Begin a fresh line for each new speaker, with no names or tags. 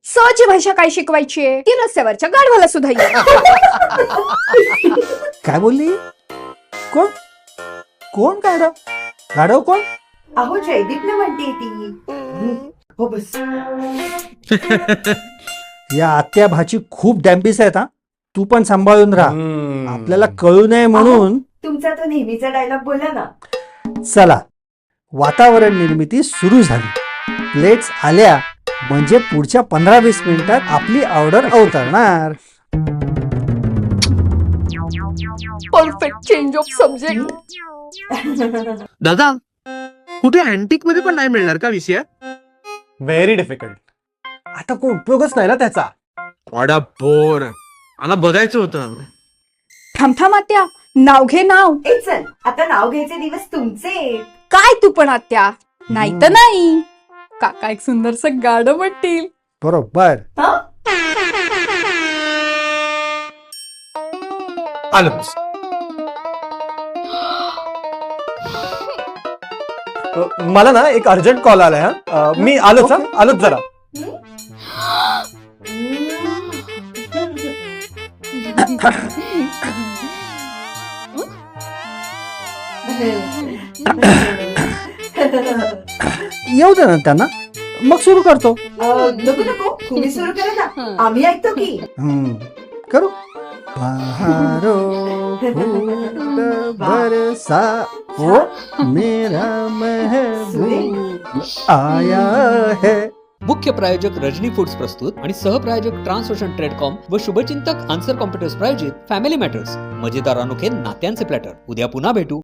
सची भाषा काय शिकवायची आहे ती रस्त्यावरच्या गाढवाला सुद्धा येईल.
काय बोलली? कोण कोण गाढव? गाढव कोण?
अहो जयदीपला म्हणते ती. हो बस.
या आत्या भाची खूप डॅम्बिस आहेत हा. तू पण सांभाळून राहा, आपल्याला कळू नये म्हणून.
तुमचा तो नेहमीचा डायलॉग बोला ना.
चला, वातावरण निर्मिती सुरू झाली. प्लेट्स आल्या म्हणजे पुढच्या 15-20 मिनिटात आपली ऑर्डर अवतरणार.
Perfect change of subject.
दादा कुठे अँटिक मध्ये पण नाही मिळणार का विषय?
Very difficult. आता कोण उपयोगच नाही ना त्याचा.
वाडा बोर, मला बघायचं होतं.
थांब आत्या, नाव घे नाव.
ए चल, आता नाव घ्यायचे दिवस तुमचे.
काय तू पण आत्या, नाही तर नाही. काका एक सुंदरस गाढव म्हणतील.
बरोबर.
हं?
आलं. मला ना एक अर्जंट कॉल आलाय हा. मी आलोच.
Okay.
आलोच जरा.
येऊ दे ना त्यांना, मग सुरू करतो.
नको नको, तुम्ही सुरू करा ना, आम्ही ऐकतो की.
करू. बहारो फूल बरसा ओ मेरा महबूब आया है.
मुख्य प्रायोजक रजनी फूड्स प्रस्तुत आणि सहप्रायोजक ट्रान्सओशन ट्रेडकॉम व शुभचिंतक आन्सर कॉम्प्युटर्स प्रायोजित फॅमिली मॅटर्स, मजेदार अनोखे नात्यांचे प्लॅटर. उद्या पुन्हा भेटू.